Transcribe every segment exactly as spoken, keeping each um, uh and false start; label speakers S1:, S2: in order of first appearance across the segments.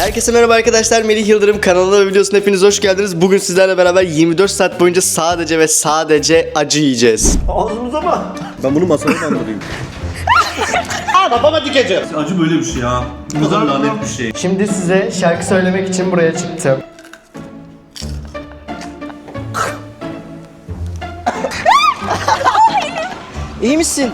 S1: Herkese merhaba arkadaşlar, Melih Yıldırım kanalına ve videosuna hepiniz hoş geldiniz. Bugün sizlerle beraber yirmi dört saat boyunca sadece ve sadece acı yiyeceğiz.
S2: Ağzımıza mı?
S3: Ben bunu masaya kaldırayım.
S2: Aa, babama dikeceğim.
S3: Acı böyle bir şey ya. Bu kadar lanet bir şey.
S1: Şimdi size şarkı söylemek için buraya çıktım. İyi misin?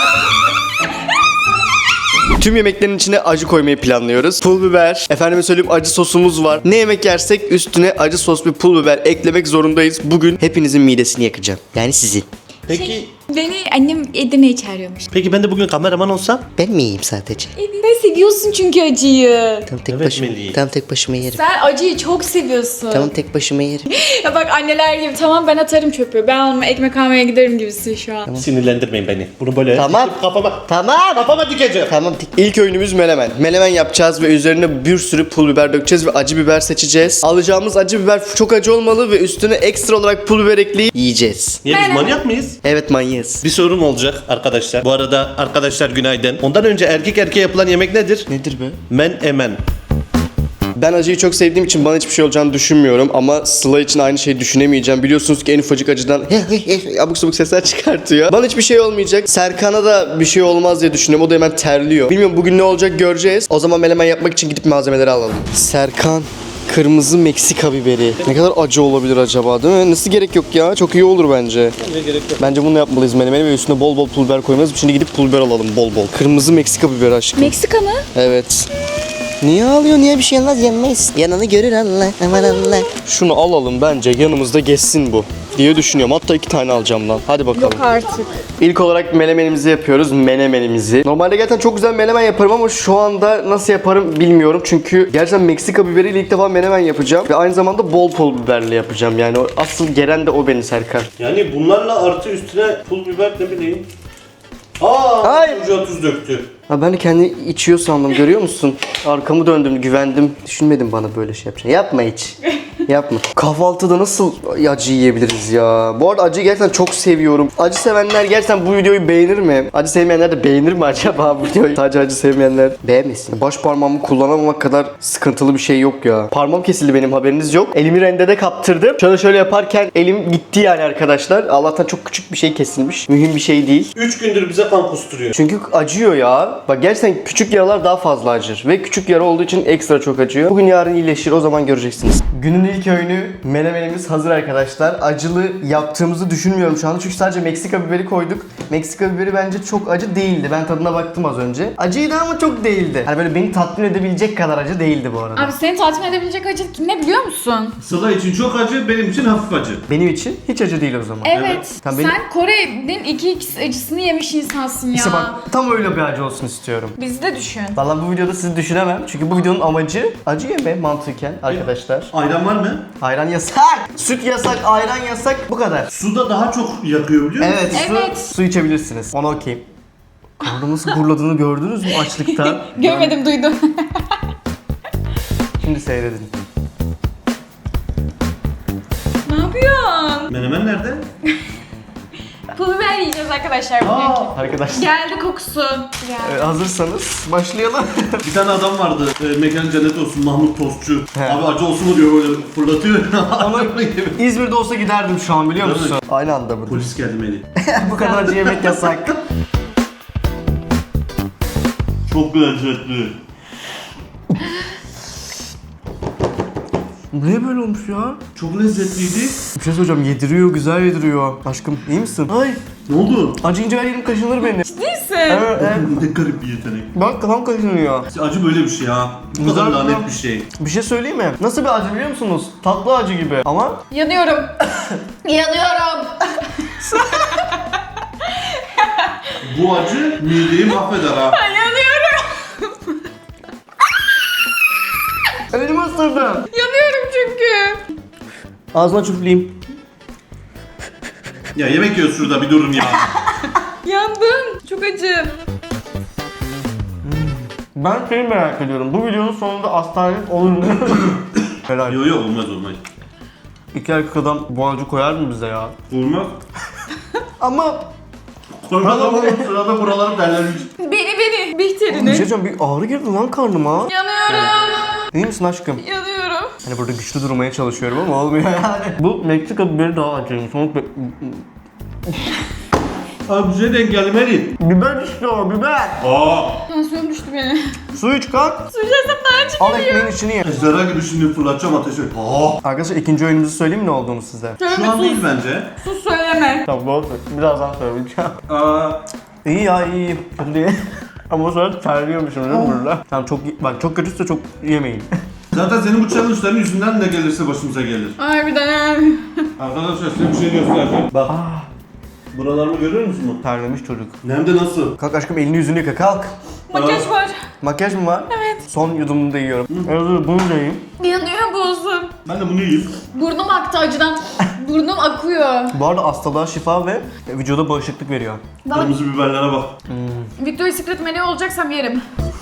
S1: Tüm yemeklerin içine acı koymayı planlıyoruz. Pul biber, efendime söyleyeyim acı sosumuz var. Ne yemek yersek üstüne acı sos ve pul biber eklemek zorundayız. Bugün hepinizin midesini yakacağım. Yani sizin.
S2: Peki,
S4: Şey, beni annem Edirne'ye çağırıyormuş.
S2: peki ben de bugün kameraman olsam?
S1: Ben mi yiyeyim sadece?
S4: Sen seviyorsun çünkü acıyı.
S1: Tam tek
S2: Evet,
S1: başıma.
S2: Melih.
S1: Tam tek başıma yerim.
S4: Sen acıyı çok seviyorsun.
S1: Tamam tek başıma yerim.
S4: Ya bak anneler gibi tamam ben atarım çöpü. Ben alma ekmek almaya giderim gibisin şu an.
S2: Sinirlendirmeyin beni. Bunu böyle
S1: Tamam.
S2: kafama,
S1: Tamam.
S2: kafama dikeceğim.
S1: Tamam. İlk öğünümüz menemen. Menemen yapacağız ve üzerine bir sürü pul biber dökeceğiz ve acı biber seçeceğiz. Alacağımız acı biber çok acı olmalı ve üstüne ekstra olarak pul biber ekleyip yiyeceğiz.
S2: Niye biz
S4: Menemen.
S2: manyak mıyız?
S1: Evet manyağız.
S2: Bir sorum olacak arkadaşlar. Bu arada arkadaşlar günaydın. Ondan önce erkek erkeğe yapılan yemek nedir?
S1: Nedir be?
S2: Men emen.
S1: Ben acıyı çok sevdiğim için bana hiçbir şey olacağını düşünmüyorum ama Sıla için aynı şeyi düşünemeyeceğim. Biliyorsunuz ki en ufacık acıdan abuk sabuk sesler çıkartıyor. Bana hiçbir şey olmayacak. Serkan'a da bir şey olmaz diye düşünüyorum. O da hemen terliyor. Bilmiyorum bugün ne olacak göreceğiz. O zaman menemen yapmak için gidip malzemeleri alalım. Serkan. Kırmızı Meksika biberi. Ne kadar acı olabilir acaba değil mi? Nasıl gerek yok ya? Çok iyi olur bence.
S2: Ne gerek yok.
S1: Bence bunu yapmalıyız menemeni ve üstüne bol bol pul biber koymalıyız. Şimdi gidip pul biber alalım bol bol. Kırmızı Meksika biberi aşkım.
S4: Meksika mı?
S1: Evet. Niye ağlıyor? Niye bir şey olmaz? Yenmeyiz. Yanını görür Allah. Aman Allah. Şunu alalım bence. Yanımızda geçsin bu diye düşünüyorum. Hatta iki tane alacağım lan. Hadi bakalım.
S4: Yok artık.
S1: İlk olarak menemenimizi yapıyoruz. Menemenimizi. Normalde gerçekten çok güzel menemen yaparım ama şu anda nasıl yaparım bilmiyorum. Çünkü gerçekten Meksika biberiyle ilk defa menemen yapacağım. Ve aynı zamanda bol pul biberle yapacağım. Yani o, asıl gelen de o beni Serkan.
S2: Yani bunlarla artı üstüne pul biber ne bileyim. Aa,
S1: Hayır.
S2: ucuya tuz döktü.
S1: Ha ben de kendi içiyor sandım görüyor musun? Arkamı döndüm güvendim. Düşünmedim bana böyle şey yapacağını. Yapma hiç. Yapma. Kahvaltıda nasıl acı yiyebiliriz ya? Bu arada acıyı gerçekten çok seviyorum. Acı sevenler gerçekten bu videoyu beğenir mi? Acı sevmeyenler de beğenir mi acaba bu videoyu? Sadece acı sevmeyenler beğenmesin. Baş parmağımı kullanamamak kadar sıkıntılı bir şey yok ya. Parmağım kesildi benim haberiniz yok. Elimi rendede kaptırdım. Şöyle şöyle yaparken elim gitti yani arkadaşlar. Allah'tan çok küçük bir şey kesilmiş. Mühim bir şey değil.
S2: Üç gündür bize kan kusturuyor.
S1: Çünkü acıyor ya. Bak gerçekten küçük yaralar daha fazla acır. Ve küçük yara olduğu için ekstra çok acıyor. Bugün yarın iyileşir o zaman göreceksiniz. Günün ilk öğünü menemenimiz hazır arkadaşlar. Acılı yaptığımızı düşünmüyorum şu anda. Çünkü sadece Meksika biberi koyduk. Meksika biberi bence çok acı değildi. Ben tadına baktım az önce. Acıydı ama çok değildi. Hani böyle beni tatmin edebilecek kadar acı değildi bu arada.
S4: Abi seni tatmin edebilecek acı ne biliyor musun?
S3: Sıla için çok acı, benim için hafif acı.
S1: Benim için hiç acı değil o zaman.
S4: Evet.
S1: Tamam, benim-
S4: Sen Kore'nin iki x acısını yemiş insansın ya.
S1: İşte bak tam öyle bir acı olsun istiyorum.
S4: Bizi de düşün.
S1: Vallahi bu videoda sizi düşünemem. Çünkü bu videonun amacı acı yeme mantıken arkadaşlar.
S3: Ayran var mı?
S1: Ayran yasak. Süt yasak, ayran yasak. Bu kadar.
S3: Suda daha çok yakıyor biliyor musun?
S1: Evet,
S4: Evet.
S1: Su, su içebilirsiniz. Ona okeyim. Karnı nasıl gurladığını gördünüz mü açlıktan?
S4: Görmedim duydum.
S1: Şimdi seyredin.
S4: Ne yapıyorsun?
S3: Menemen nerede?
S4: Pul biber yiyeceğiz arkadaşlar bugün.
S1: Arkadaşlar
S4: Geldi kokusu. Geldi.
S1: e, hazırsanız başlayalım.
S3: Bir tane adam vardı, e, mekanı cennet olsun, Mahmut Tostçu.
S1: He.
S3: Abi acı olsun mu diyor böyle fırlatıyor.
S1: Ama İzmir'de olsa giderdim şu an biliyor musun? Aynı anda mı?
S3: Polis geldi Melih.
S1: Bu kadar acı yemek yasak.
S3: Çok lezzetli.
S1: Niye böyle olmuş ya?
S3: Çok lezzetliydi.
S1: Bir şey söyleyeceğim yediriyor güzel yediriyor. Aşkım iyi misin? Ay
S3: Ne oldu?
S1: acıyınca her yerim kaşınır benim.
S4: Değilsin.
S1: Evet, evet.
S3: Ne garip bir yetenek.
S1: Bak kafam kaşınıyor.
S3: Acı böyle bir şey ya. Bu kadar
S1: Güzel,
S3: lanet
S1: güzel.
S3: bir şey.
S1: Bir şey söyleyeyim mi? Nasıl bir acı biliyor musunuz? Tatlı acı gibi ama
S4: Yanıyorum. Yanıyorum.
S3: Bu acı mideyi mahveder ha.
S4: Yanıyorum.
S1: elimi ısırdım.
S4: Yanıyorum çünkü.
S1: Ağzına çüfleyeyim.
S3: Ya yemek yiyoruz şurada bir durun ya.
S4: Yandım. Çok acı.
S1: Ben şeyi merak ediyorum. Bu videonun sonunda hastanelik olur mu? Helal.
S3: Yok yok olmaz olmaz.
S1: İki erkek adam bu acı koyar mı bize ya?
S3: Olmaz.
S1: Ama
S3: Koymaz ama sırada buralarım derlenmiş.
S4: Beni beni.
S1: bir
S4: Bihter'ini.
S1: şey diyeceğim bir ağrı girdi lan karnıma.
S4: Yanıyorum.
S1: İyi misin aşkım?
S4: Yanıyorum.
S1: Hani burada güçlü durmaya çalışıyorum ama olmuyor yani. Bu Meksika biberi daha acıymış. Soğuk be-
S3: Abi bize de engellemeli.
S1: Biber işte o biber.
S3: Aa.
S4: Tansiyonum düştü benim.
S1: Su iç kalk.
S4: Su içersem daha acı
S1: Al
S4: geliyor.
S1: ekmeğin içini ye.
S3: Zara gibi şimdi fırlatacağım ateşe. Aa.
S1: Arkadaşlar ikinci oyunumuzu söyleyeyim mi ne olduğunu size?
S3: Şu an değil bence.
S4: Sus söyleme.
S1: Tamam doğru. Birazdan söyleyeceğim.
S3: Aa.
S1: İyi ya iyi. Kötü değil. Ama sonra terliyormuşum değil mi burada? Tamam çok bak çok kötüyse çok yemeyin.
S3: Zaten senin bu challenge'ların yüzünden ne gelirse başımıza gelir.
S4: Harbiden.
S3: Arkadaşlar size bir şey göstereceğim. Bak. Buralarımı görüyor musun?
S1: Terlemiş çocuk.
S3: Hem de nasıl?
S1: Kalk aşkım elini yüzünü yıka kalk.
S4: Makyaj var.
S1: Makyaj mı var?
S4: Evet.
S1: Son yudumunu da yiyorum. Evet bunu da yiyeyim.
S4: Yanıyor boğazım.
S3: Ben de bunu yiyeyim.
S4: Burnum aktı acıdan. Burnum akıyor.
S1: Bu arada hastalığa şifa ve vücuda bağışıklık veriyor.
S4: Daha
S3: Kırmızı biberlere bak.
S4: Victoria's Secret meleği olacaksam yerim.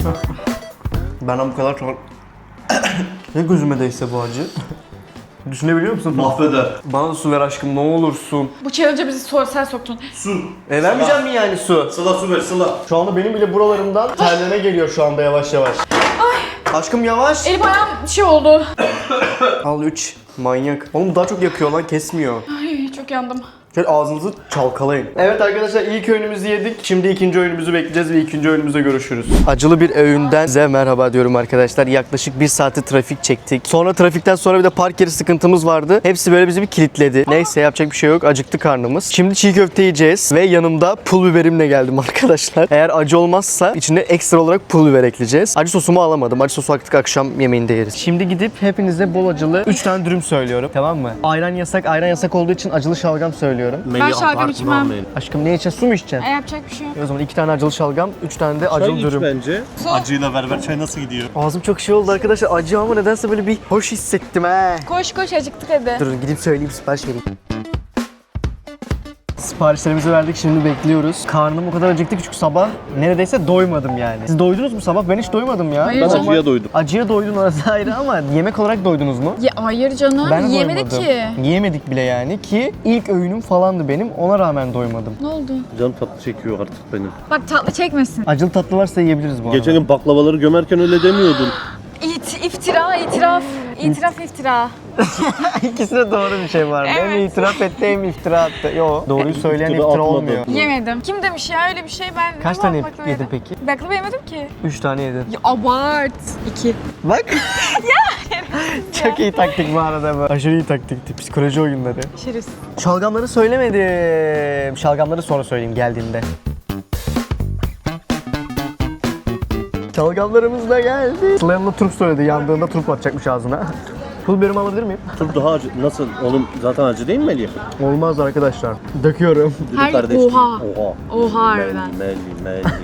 S1: Benden bu kadar çok... Ne gözüme değse bu acı. Düşünebiliyor musun?
S3: Mahveder.
S1: Bana da su ver aşkım ne olursun.
S4: Bu challenge'a bizi sor, sen soktun.
S3: Su.
S1: E vermeyeceğim mi yani su?
S3: Sıla su ver sıla.
S1: Şu anda benim bile buralarımdan terleme geliyor şu anda yavaş yavaş. Aşkım yavaş.
S4: Elim ayağım şey oldu.
S1: Al üç. Manyak. Oğlum bu daha çok yakıyor lan kesmiyor.
S4: Ay çok yandım.
S1: Şöyle ağzınızı çalkalayın. Evet arkadaşlar ilk öğünümüzü yedik. Şimdi ikinci öğünümüzü bekleyeceğiz ve ikinci öğünümüzde görüşürüz. Acılı bir öğünden size merhaba diyorum arkadaşlar. Yaklaşık bir saati trafik çektik. Sonra trafikten sonra bir de park yeri sıkıntımız vardı. Hepsi böyle bizi bir kilitledi. Neyse yapacak bir şey yok. Acıktı karnımız. Şimdi çiğ köfte yiyeceğiz ve yanımda pul biberimle geldim arkadaşlar. Eğer acı olmazsa içine ekstra olarak pul biber ekleyeceğiz. Acı sosumu alamadım. Acı sosu artık akşam yemeğinde yeriz. Şimdi gidip hepinize bol acılı üç tane dürüm söylüyorum. Tamam mı? Ayran yasak. Ayran yasak olduğu için acılı şalgam söylüyorum.
S4: Ben şalgam içmem.
S1: Aşkım ne içeceksin? Su mu içeceksin?
S4: E, yapacak bir şey yok.
S1: O zaman iki tane acılı şalgam, üç tane de acılı dürüm.
S2: bence. Acıyla beraber çay nasıl gidiyor?
S1: Ağzım çok şey oldu arkadaşlar. Acı ama nedense böyle bir hoş hissettim he.
S4: Koş koş acıktık hadi.
S1: Durun gidip söyleyeyim sipariş vereyim. Siparişlerimizi verdik şimdi bekliyoruz. Karnım o kadar acıktı ki çünkü sabah neredeyse doymadım yani. Siz doydunuz mu sabah? Ben hiç doymadım ya.
S4: Hayır
S1: Ben
S4: canım.
S2: Acıya doydum.
S1: Acıya doydun orası ayrı ama yemek olarak doydunuz mu?
S4: Ya, hayır canım
S1: Ben
S4: yemedik
S1: doymadım.
S4: ki.
S1: Yiyemedik bile yani ki ilk öğünüm falandı benim ona rağmen doymadım.
S4: Ne oldu?
S2: Canım tatlı çekiyor artık benim.
S4: Bak tatlı çekmesin.
S1: Acılı tatlı varsa yiyebiliriz bu arada.
S2: Geçen gün baklavaları gömerken öyle demiyordun.
S4: İt, iftira, itiraf. İtiraf, iftira.
S1: İkisine doğru bir şey var. Hem
S4: Evet.
S1: itiraf etti hem iftira attı. Yo doğruyu söyleyen
S2: İftira
S1: iftira
S2: atmadı.
S1: olmuyor.
S4: Yemedim. Kim demiş ya öyle bir şey ben...
S1: Kaç
S4: ne
S1: tane
S4: baklava
S1: yedin
S4: yedim?
S1: peki?
S4: Baklava yemedim ki.
S1: Üç tane yedin.
S4: Ya abart. İki.
S1: Bak. Çok iyi taktik bu arada bu. Aşırı iyi taktikti. Psikoloji oyunları.
S4: Şerif.
S1: Şalgamları söylemedim. Şalgamları sonra söyleyeyim geldiğinde. Şalgamlarımız da geldi. Sıla yanına turp söyledi. Yandığında turp atacakmış ağzına. Pul biberimi alabilir miyim?
S2: Turp daha acı. Nasıl? Oğlum zaten acı değil mi Melih?
S1: Olmaz arkadaşlar. Döküyorum.
S2: Dürüm
S4: Her-
S2: kardeş
S4: Oha.
S2: değil. Oha.
S4: Oha harbiden.
S2: Melih, Melih, Melih.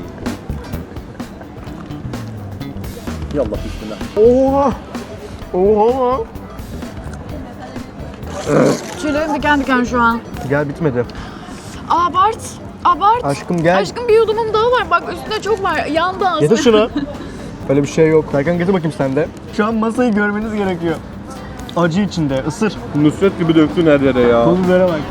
S2: Yallah bismillah.
S1: Oha. Oha.
S4: Tüylerim diken diken şu an.
S1: Gel bitmedi.
S4: Abart. Abart.
S1: Aşkım gel.
S4: Aşkım bir yudumum daha var. Bak üstünde çok var. Yandı ağzı.
S1: Getir şunu. Öyle bir şey yok. Serkan getir bakayım sen de. Şu an masayı görmeniz gerekiyor. Acı içinde. Isır.
S2: Nusret gibi döktün her yere ya.
S1: Pul bibere bak.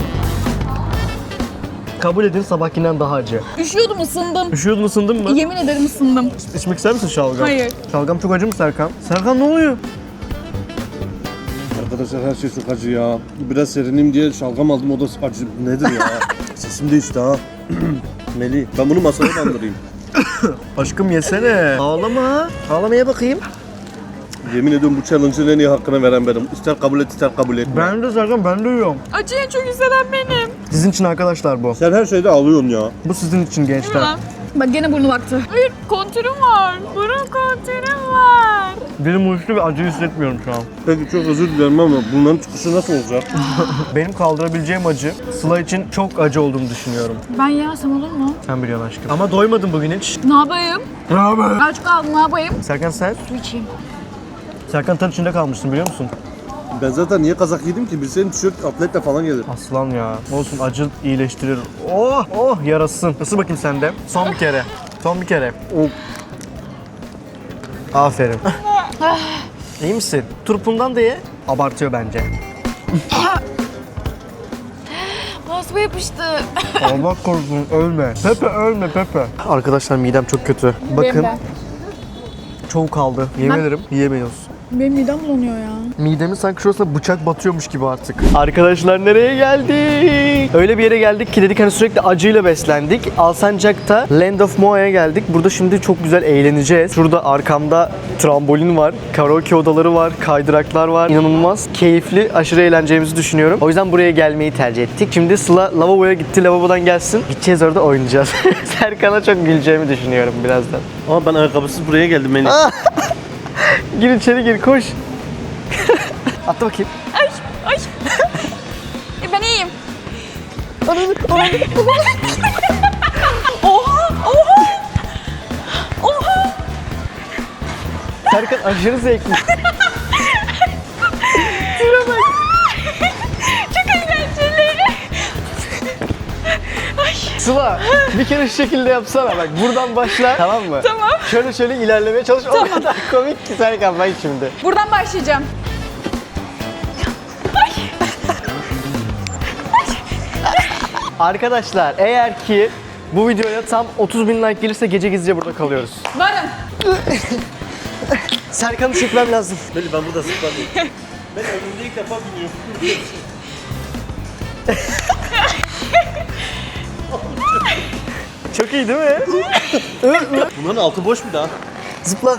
S1: Kabul edin sabahkinden daha acı.
S4: Üşüyordum ısındım.
S1: Üşüyordun ısındın mı?
S4: Yemin ederim ısındım.
S1: İçmek ister misin şalgam?
S4: Hayır.
S1: Şalgam çok acı mı Serkan? Serkan ne oluyor?
S2: Arkadaşlar her şey çok acı ya. Biraz serineyim diye şalgam aldım o da acı. Nedir ya? Sesim değişti ha. Melih ben bunu masaya bandırayım.
S1: Aşkım yesene. Ağlama. Ağlamaya bakayım.
S2: Yemin ediyorum bu challenge'ın en iyi hakkını veren benim. İster kabul et ister kabul etme.
S1: Ben de Serkan ben de yiyorum.
S4: Acıyı en çok hisseden benim.
S1: Sizin için arkadaşlar bu.
S2: Sen her şeyde alıyorsun ya.
S1: Bu sizin için gençler.
S4: Bak gene burnu baktı. Hayır kontürüm var. Burun kontürüm var.
S1: Benim uyuştu ve acı hissetmiyorum şu an.
S2: Peki çok özür dilerim ama bunların çıkışı nasıl olacak?
S1: Benim kaldırabileceğim acı Sıla için çok acı olduğunu düşünüyorum.
S4: Ben yemesem olur mu?
S1: Sen biliyorsun aşkım. Ama doymadın bugün hiç.
S4: Ne yapayım?
S1: Ne haber?
S4: Aç kaldım ne yapayım?
S1: Serkan sen?
S4: Su içeyim.
S1: Serkan ter içinde kalmışsın biliyor musun?
S2: Ben zaten niye kazak yedim ki? Bilsenin tişört atletle falan gelir.
S1: Aslan ya. Olsun acı iyileştirir. Oh oh yarasın. Isır bakayım sen de. Son bir kere. Son bir kere. Oh. Aferin. İyi misin? Turpundan da ye. Abartıyor bence.
S4: Boğazıma yapıştı.
S1: Allah korusun ölme. Pepe ölme Pepe. Arkadaşlar midem çok kötü. Bakın
S4: Benim de.
S1: çoğu kaldı. Yemin
S4: Ben-
S1: ederim yiyemiyoruz.
S4: Benim midem bulanıyor ya.
S1: Midemin sanki şurasına bıçak batıyormuş gibi artık. Arkadaşlar nereye geldik? Öyle bir yere geldik ki dedik hani sürekli acıyla beslendik. Alsancak'ta Land of Moa'ya geldik. Burada şimdi çok güzel eğleneceğiz. Şurada arkamda trambolin var, karaoke odaları var, kaydıraklar var. İnanılmaz keyifli, aşırı eğleneceğimizi düşünüyorum. O yüzden buraya gelmeyi tercih ettik. Şimdi Sıla lavaboya gitti, lavabodan gelsin. Gideceğiz orada oynayacağız. Serkan'a çok güleceğimi düşünüyorum birazdan.
S2: Ama ben ayakkabısız buraya geldim Melih.
S1: Gir içeri gir, koş. Atla bakayım.
S4: Ay ay. E, ben iyiyim. Oha oha. Oha.
S1: Serkan aşırı zevkli.
S4: Çok eğlenceli. Ay.
S1: Sıla bir kere şu şekilde yapsana bak buradan başla tamam mı?
S4: Tamam.
S1: Şöyle şöyle ilerlemeye çalış o kadar komik ki Serkan bak şimdi.
S4: Buradan başlayacağım.
S1: Arkadaşlar eğer ki bu videoya tam otuz bin like gelirse gece gizlice burada kalıyoruz.
S4: Varım.
S1: Serkan'ı çekmem lazım.
S2: Melih ben burada zıpladım. Ben ömrümde ilk defa biniyorum.
S1: Çok iyi değil mi?
S2: Bunların altı boş bir daha.
S1: Zıpla.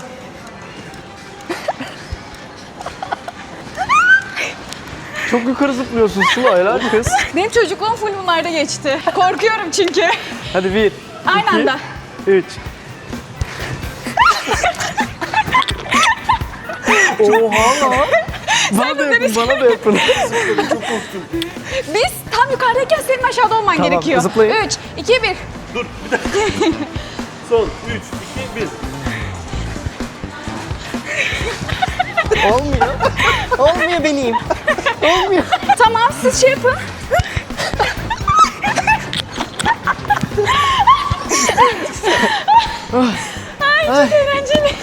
S1: Çok yukarı zıplıyorsun Sıla helal kız.
S4: Benim çocukluğum full bunlarda geçti. Korkuyorum çünkü.
S1: Hadi bir,
S4: Aynı
S1: iki,
S4: anda.
S1: üç. Oha lan. Bana da yapın, bana da yapın.
S4: Biz tam yukarıdayken senin aşağıda olman
S1: Tamam,
S4: gerekiyor.
S1: zıplayın.
S4: üç, iki, bir.
S2: Dur bir dakika. Son üç, iki, bir.
S1: Olmuyor. Olmuyor benim. Olmuyor.
S4: Tamam siz şey yapın. Ay çok eğlenceli.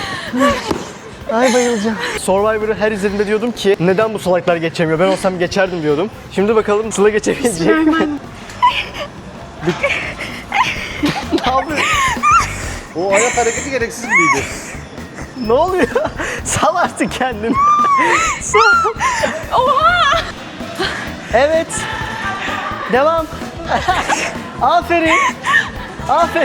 S1: Ay bayılacağım. Survivor'ı her izlediğimde diyordum ki neden bu salaklar geçemiyor? Ben olsam geçerdim diyordum. Şimdi bakalım Sıla geçebilecek mi? Ne yapıyorsun?
S2: O ayak hareketi gereksiz gibiydi.
S1: Ne oluyor? Sal artık kendini. Sal.
S4: Oha!
S1: Evet. Devam. Aferin. Aferin.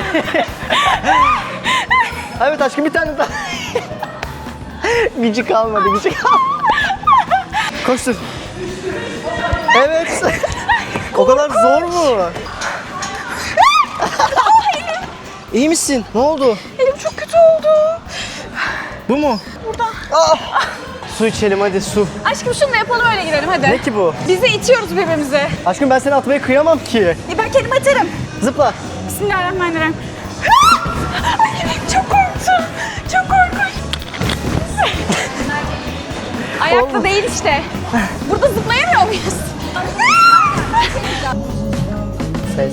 S1: Evet aşkım bir tane daha. Gücü kalmadı, gücü kalmadı. Koştur. Evet. O kadar zor mu? İyi misin? Ne oldu?
S4: Elim çok kötü oldu.
S1: Bu mu?
S4: Buradan.
S1: Su içelim hadi su.
S4: Aşkım şunu da yapalım öyle gidelim hadi.
S1: Ne ki bu?
S4: Bizi itiyoruz birbirimize.
S1: Aşkım ben seni atmaya kıyamam ki.
S4: E ben kendimi atarım.
S1: Zıpla.
S4: Bismillahirrahmanirrahim. Ay, çok korktum. Çok korkunç. Ayakta
S1: Olmadı.
S4: değil işte. Burada zıplayamıyor muyuz?
S1: Ses.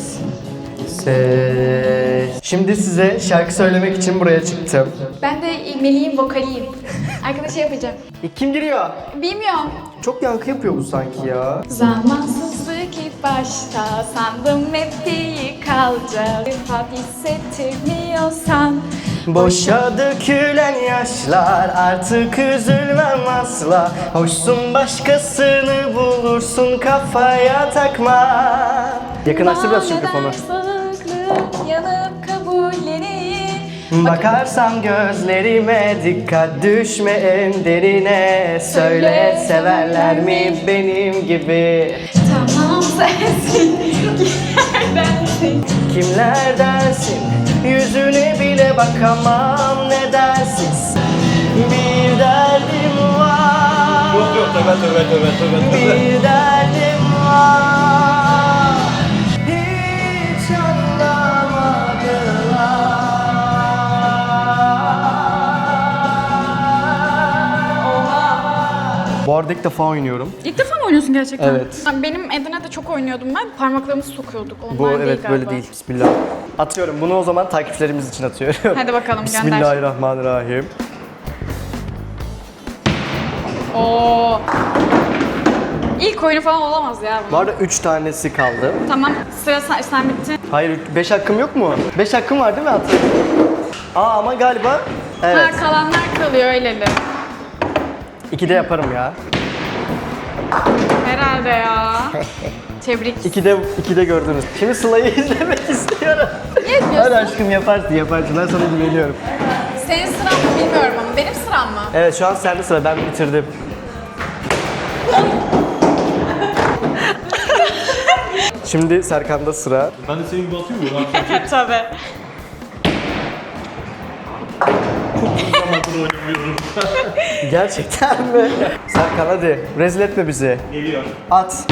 S1: Ses. Şimdi size şarkı söylemek için buraya çıktım.
S4: Ben de Melih'in vokaliyim. Arkadaşa yapacağım.
S1: E, kim giriyor?
S4: Bilmiyorum.
S1: Çok yankı yapıyor bu sanki ya.
S4: Zamansızlık ilk başta sandım hep iyi kalacak. Hap hissettirmiyorsan
S1: Boşa dökülen yaşlar artık üzülmem asla. Hoşsun başkasını bulursun kafaya takma. Yakınlaştır biraz şu mikrofonu.
S4: Sağlıklı yanıp kabullenir.
S1: Bakarsam gözlerime dikkat düşme en derine. Söyle severler mi benim gibi?
S4: Tamam sensin, kimlerdensin?
S1: Kimlerdensin? Yüzüne bile bakamam nedensiz. Bir derdim var.
S2: Yok yok tövbe tövbe tövbe tövbe tövbe.
S1: Bir derdim var. Hiç anlamadılar. Bu arada ilk defa oynuyorum.
S4: İlk defa mı oynuyorsun gerçekten?
S1: Evet.
S4: Benim Edirne'de çok oynuyordum ben. Parmaklarımızı sokuyorduk. Onlar
S1: Bu
S4: değil
S1: evet
S4: galiba.
S1: böyle değil. Bismillah. Atıyorum. Bunu o zaman takipçilerimiz için atıyorum.
S4: Hadi bakalım gönder.
S1: Bismillahirrahmanirrahim.
S4: Oo. İlk oyunu falan olamaz ya bu.
S1: Bu arada üç tanesi kaldı.
S4: Tamam sıra sen, sen bittin.
S1: Hayır beş hakkım yok mu? beş hakkım var değil mi Atı? Aa ama galiba evet.
S4: Ha kalanlar kalıyor öyleli.
S1: ikide yaparım ya.
S4: Herhalde ya. Tebrik.
S1: İkide, ikide gördünüz. Şimdi Sıla'yı izlemek istiyorum.
S4: Niye
S1: Hadi
S4: diyorsun?
S1: aşkım yaparsın yaparsın. Ben sana güveniyorum.
S4: Senin sıran mı bilmiyorum ama benim sıram mı?
S1: Evet şu an sende sıra. Ben bitirdim. Şimdi Serkan'da sıra.
S3: Ben de senin gibi atayım mı? Ben
S4: Tabii.
S3: çok zamandır oynamıyorum.
S1: Gerçekten mi? Serkan hadi. Rezil etme bizi.
S3: Geliyor.
S1: At.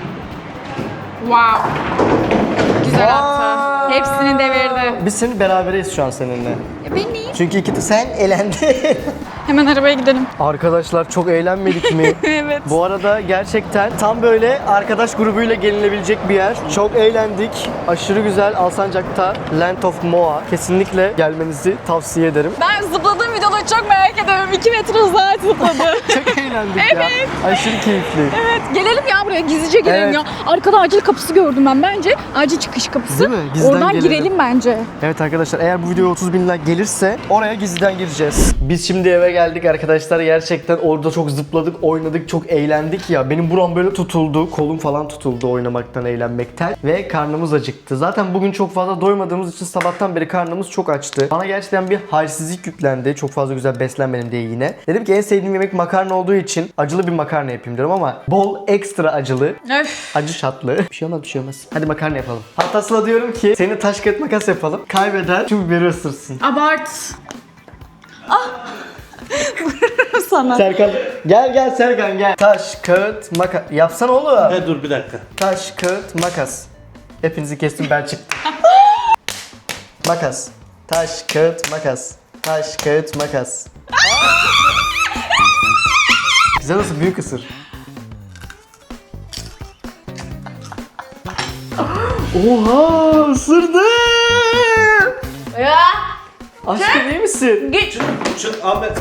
S4: Wow. Güzel attı.
S1: Vay.
S4: Hepsini devirdi.
S1: Biz senin berabereyiz şu an seninle.
S4: E ben neyim?
S1: Çünkü iki sen elendin.
S4: Hemen arabaya gidelim.
S1: Arkadaşlar çok eğlenmedik mi?
S4: Evet.
S1: Bu arada gerçekten tam böyle arkadaş grubuyla gelinebilecek bir yer. Çok eğlendik. Aşırı güzel Alsancak'ta Land of Moa. Kesinlikle gelmenizi tavsiye ederim.
S4: Ben zıpladığım videoları çok merak ediyorum. iki metre uzağa zıpladı.
S1: Çok eğlendik ya. Aşırı keyifli.
S4: Evet. Gelelim ya buraya. Gizlice gelelim
S1: Evet.
S4: ya. Arkada acil kapısı gördüm ben bence. Acil çıkış kapısı.
S1: Değil mi? Gizliden
S4: Oradan
S1: gelelim.
S4: girelim bence.
S1: Evet arkadaşlar eğer bu video otuz bin like gelirse oraya gizliden gireceğiz. Biz şimdi eve geldik arkadaşlar. Gerçekten orada çok zıpladık, oynadık, çok eğlendik ya. Benim buram böyle tutuldu. Kolum falan tutuldu oynamaktan, eğlenmekten. Ve karnımız acıktı. Zaten bugün çok fazla doymadığımız için sabahtan beri karnımız çok açtı. Bana gerçekten bir halsizlik yüklendi. Çok fazla güzel beslenmedim diye yine. Dedim ki en sevdiğim yemek makarna olduğu için acılı bir makarna yapayım diyorum ama bol ekstra acılı.
S4: Öf.
S1: Acı şatlı. Bir şey olmaz bir şey olmaz. Hadi makarna yapalım. Hatta Sıla diyorum ki seni taş kağıt makas yapalım. Kaybeden şu biberi ısırsın.
S4: Abart. Ah. Vururum sana.
S1: Serkan gel gel Serkan gel. Taş kağıt makas. Yapsana oğlum.
S3: He dur bir dakika.
S1: Taş kağıt makas. Hepinizi kestim ben çıktım. Makas. Taş kağıt makas. Taş kağıt makas. Güzel olsun büyük ısır. Oha ısırdı.
S4: Ya.
S1: Aşkım iyi misin?
S4: Git.
S3: Çık Ahmet.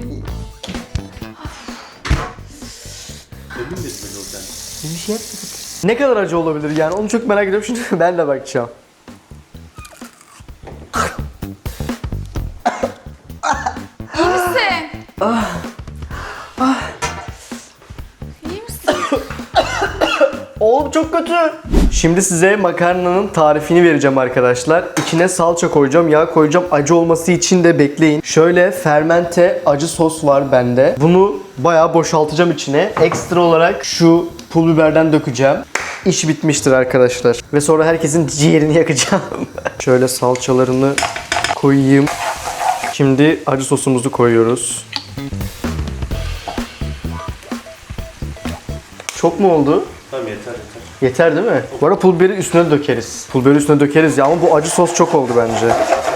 S3: Emin misin beni oradan?
S1: Bir şey yapmadık. Ne kadar acı olabilir yani onu çok merak ediyorum şimdi ben de bakacağım.
S4: İyi misin? İyi misin?
S1: Oğlum çok kötü. Şimdi size makarnanın tarifini vereceğim arkadaşlar. İçine salça koyacağım, yağ koyacağım. Acı olması için de bekleyin. Şöyle fermente acı sos var bende. Bunu bayağı boşaltacağım içine. Ekstra olarak şu pul biberden dökeceğim. İş bitmiştir arkadaşlar. Ve sonra herkesin ciğerini yakacağım. Şöyle salçalarını koyayım. Şimdi acı sosumuzu koyuyoruz. Çok mu oldu?
S3: Tamam yeter yeter.
S1: Yeter değil mi? Bu arada pul biberi üstüne dökeriz. Pul biberi üstüne dökeriz ya ama bu acı sos çok oldu bence.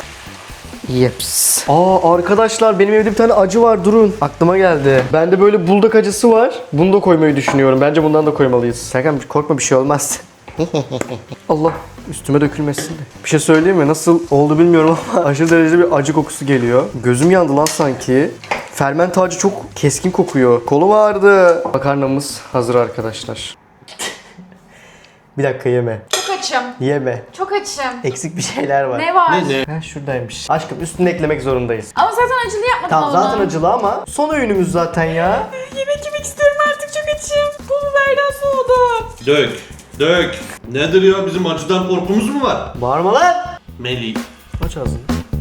S1: Yeps. Aa arkadaşlar benim evde bir tane acı var durun. Aklıma geldi. Bende böyle buldak acısı var. Bunu da koymayı düşünüyorum. Bence bundan da koymalıyız. Serkan korkma bir şey olmaz. Allah üstüme dökülmesin de. Bir şey söyleyeyim mi? Nasıl oldu bilmiyorum ama aşırı derecede bir acı kokusu geliyor. Gözüm yandı lan sanki. Fermente acı çok keskin kokuyor. Kolum ağrıdı. Makarnamız hazır arkadaşlar. Bir dakika yeme.
S4: Çok açım.
S1: Yeme.
S4: Çok açım.
S1: Eksik bir şeyler var.
S4: Ne var?
S3: Ne ne?
S1: Ha şuradaymış. Aşkım üstüne eklemek zorundayız.
S4: Ama zaten acılı yapmadın
S1: Tamam
S4: onu.
S1: zaten acılı ama son öğünümüz zaten ya.
S4: Yemek yemek istiyorum artık çok açım. Pul biberden soğudu.
S3: Dök. Dök. Nedir ya bizim acıdan korkumuz mu var?
S1: Bağırma lan.
S3: Melih.
S1: Aç ağzını.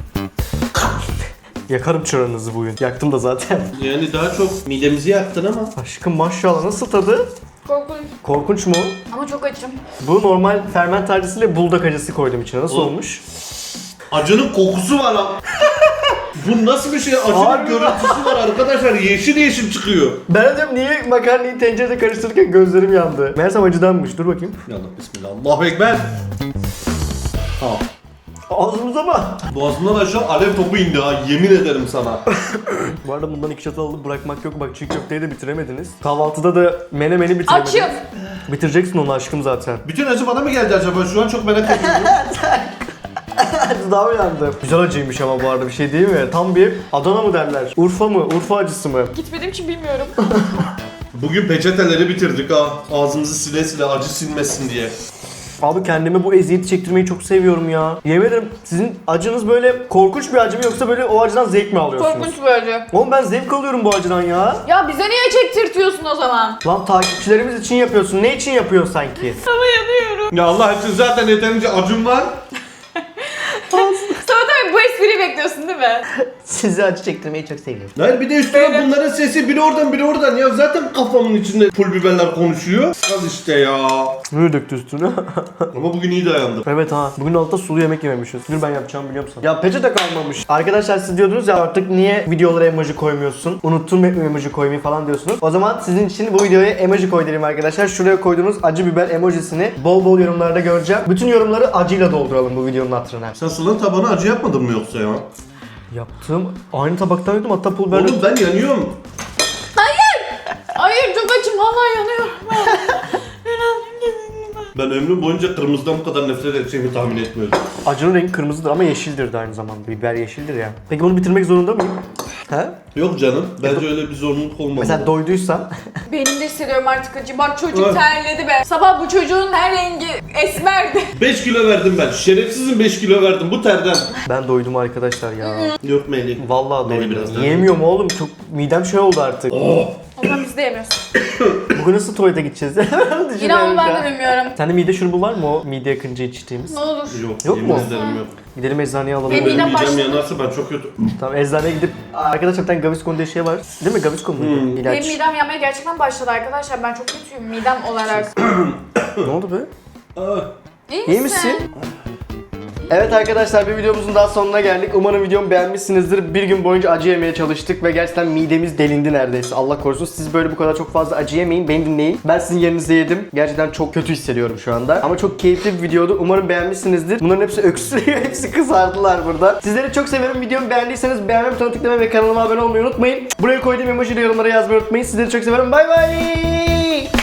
S1: Yakarım çıranınızı bugün. Yaktım da zaten.
S3: Yani daha çok midemizi yaktın ama.
S1: Aşkım maşallah nasıl tadı?
S4: Korkunç.
S1: Korkunç mu?
S4: Ama çok açım.
S1: Bu normal ferment acısıyla buldak acısı koydum içine. Nasıl
S3: Oğlum.
S1: olmuş?
S3: Acının kokusu var ha. Bu nasıl bir şey? Acının
S1: Harbi
S3: görüntüsü var arkadaşlar. Yeşil yeşil çıkıyor.
S1: Ben diyorum niye makarnayı tencerede karıştırırken gözlerim yandı. Meğersem acıdanmış. Dur bakayım.
S3: Ya Allah bismillah. Allahu ekber. Ha.
S1: Ağzımıza mı?
S3: Boğazımdan aşağı alev topu indi ha. Yemin ederim sana.
S1: Bu arada bundan iki çatal alıp bırakmak yok. Bak çiğ köfteyi de bitiremediniz. Kahvaltıda da menemeni bitiremediniz.
S4: Açım.
S1: Bitireceksin onu aşkım zaten.
S3: Bütün acı bana mı geldi acaba? Şu an çok merak ediyorum.
S1: Daha uyandı. Güzel acıymış ama bu arada bir şey değil mi? Tam bir Adana mı derler? Urfa mı? Urfa acısı mı?
S4: Gitmediğim için bilmiyorum.
S3: Bugün peçeteleri bitirdik ha. Ağzımızı sile sile acı silmesin diye.
S1: Abi kendime bu eziyeti çektirmeyi çok seviyorum ya. Yemin ederim sizin acınız böyle korkunç bir acı mı yoksa böyle o acıdan zevk mi alıyorsunuz?
S4: Korkunç bir acı.
S1: Oğlum ben zevk alıyorum bu acıdan ya.
S4: Ya bize niye çektirtiyorsun o zaman?
S1: Lan takipçilerimiz için yapıyorsun. Ne için yapıyorsun sanki?
S4: Ama yanıyorum.
S3: Ya Allah için zaten yeterince acım var.
S4: Sana tabii bu espriyi bekliyorsun değil mi?
S1: Sizi acı çektirmeyi çok seviyorum.
S3: Hayır bir de üstüne bunların sesi biri oradan biri oradan ya zaten kafamın içinde pul biberler konuşuyor. Al işte ya.
S1: Ne döktü üstüne?
S3: Ama bugün iyi dayandım.
S1: Evet ha. Bugün altta sulu yemek yememişiz. Dur ben yapacağımı biliyorum sana. Ya peçete kalmamış. Arkadaşlar siz diyordunuz ya artık niye videolara emoji koymuyorsun? Unuttun mu emoji koymayı falan diyorsunuz. O zaman sizin için bu videoya emoji koy dedim arkadaşlar. Şuraya koyduğunuz acı biber emojisini bol bol yorumlarda göreceğim. Bütün yorumları acıyla dolduralım bu videonun hatırına.
S3: Sen sılanın tabağına acı yapmadın mı yoksa ya?
S1: Yaptığım aynı tabaktan yedim hatta pul biber.
S3: Oğlum ben yanıyorum.
S4: Hayır çok açım vallahi yanıyorum.
S3: Ben ömrüm boyunca kırmızıdan bu kadar nefret edeceğimi tahmin etmiyordum.
S1: Acının rengi kırmızıdır ama yeşildir de aynı zamanda. Biber yeşildir ya. Peki bunu bitirmek zorunda mıyım? He?
S3: Yok canım, bence öyle bir zorunluluk olmamalı.
S1: Mesela doyduysan
S4: Benim de hissediyorum artık acı. Bak çocuk
S3: Ah.
S4: terledi be. Sabah bu çocuğun her rengi esmerdi.
S3: beş kilo verdim ben. Şerefsizim beş kilo verdim bu terden.
S1: ben doydum arkadaşlar ya.
S3: Yok Melih.
S1: Vallahi
S3: Beni
S1: doydum.
S3: biraz daha-
S1: Yiyemiyorum oğlum. Çok midem şey oldu artık.
S3: Oh.
S4: O zaman biz de yemiyoruz.
S1: Bugün nasıl tuvalete gideceğiz?
S4: İnan ben de
S1: Düşünüyorum
S4: bilmiyorum.
S1: ya. Sende mide şurubu var mı o mide yakınca içtiğimiz?
S4: Ne olur.
S3: Yok,
S1: Yok
S3: yemin
S1: mu?
S3: ederim yok.
S1: Gidelim eczaneye alalım.
S4: Benim
S3: Benim
S4: midem
S3: midem
S4: başladı.
S3: yanarsa ben çok kötü.
S1: Tamam eczaneye gidip arkadaşlar bir tane Gaviscon diye şey var. Değil mi? Gaviscon muydu?
S3: Hmm.
S1: İlaç.
S4: Benim midem yanmaya gerçekten başladı arkadaşlar. Ben çok kötüyüm midem olarak.
S1: Ne oldu be?
S3: Ah.
S4: İyi misin?
S1: İyi misin? Evet arkadaşlar bir videomuzun daha sonuna geldik. Umarım videomu beğenmişsinizdir. Bir gün boyunca acı yemeye çalıştık ve gerçekten midemiz delindi neredeyse. Allah korusun. Siz böyle bu kadar çok fazla acı yemeyin. Beni dinleyin. Ben sizin yerinizde yedim. Gerçekten çok kötü hissediyorum şu anda. Ama çok keyifli bir videodu. Umarım beğenmişsinizdir. Bunların hepsi öksürüyor. Hepsi kızardılar burada. Sizleri çok seviyorum. Videomu beğendiyseniz beğenme butonuna tıklamayı ve kanalıma abone olmayı unutmayın. Buraya koyduğum emojiyle yorumlara yazmayı unutmayın. Sizleri çok seviyorum. Bay bay.